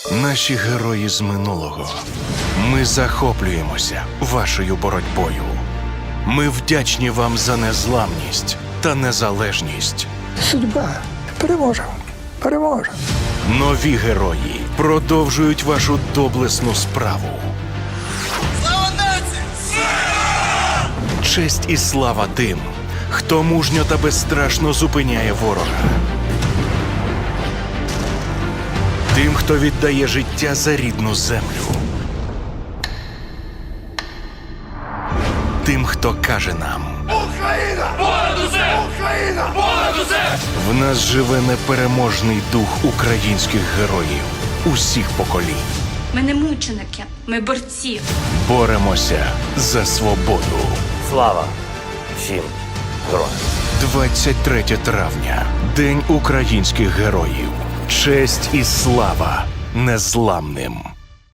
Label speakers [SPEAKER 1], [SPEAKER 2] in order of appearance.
[SPEAKER 1] Наші герої з минулого. Ми захоплюємося вашою боротьбою. Ми вдячні вам за незламність та незалежність.
[SPEAKER 2] Судьба. Переможемо. Переможемо.
[SPEAKER 1] Нові герої продовжують вашу доблесну справу.
[SPEAKER 3] Слава нації!
[SPEAKER 1] Честь і слава тим, хто мужньо та безстрашно зупиняє ворога. Тим, хто віддає життя за рідну землю. Тим, хто каже нам:
[SPEAKER 3] Україна! Понад усе! Україна! Понад усе!
[SPEAKER 1] в нас живе непереможний дух українських героїв усіх поколінь.
[SPEAKER 4] Ми не мученики, ми борці.
[SPEAKER 1] Боремося за свободу.
[SPEAKER 5] Слава всім героям!
[SPEAKER 1] 23 травня. День українських героїв. Честь і слава незламним.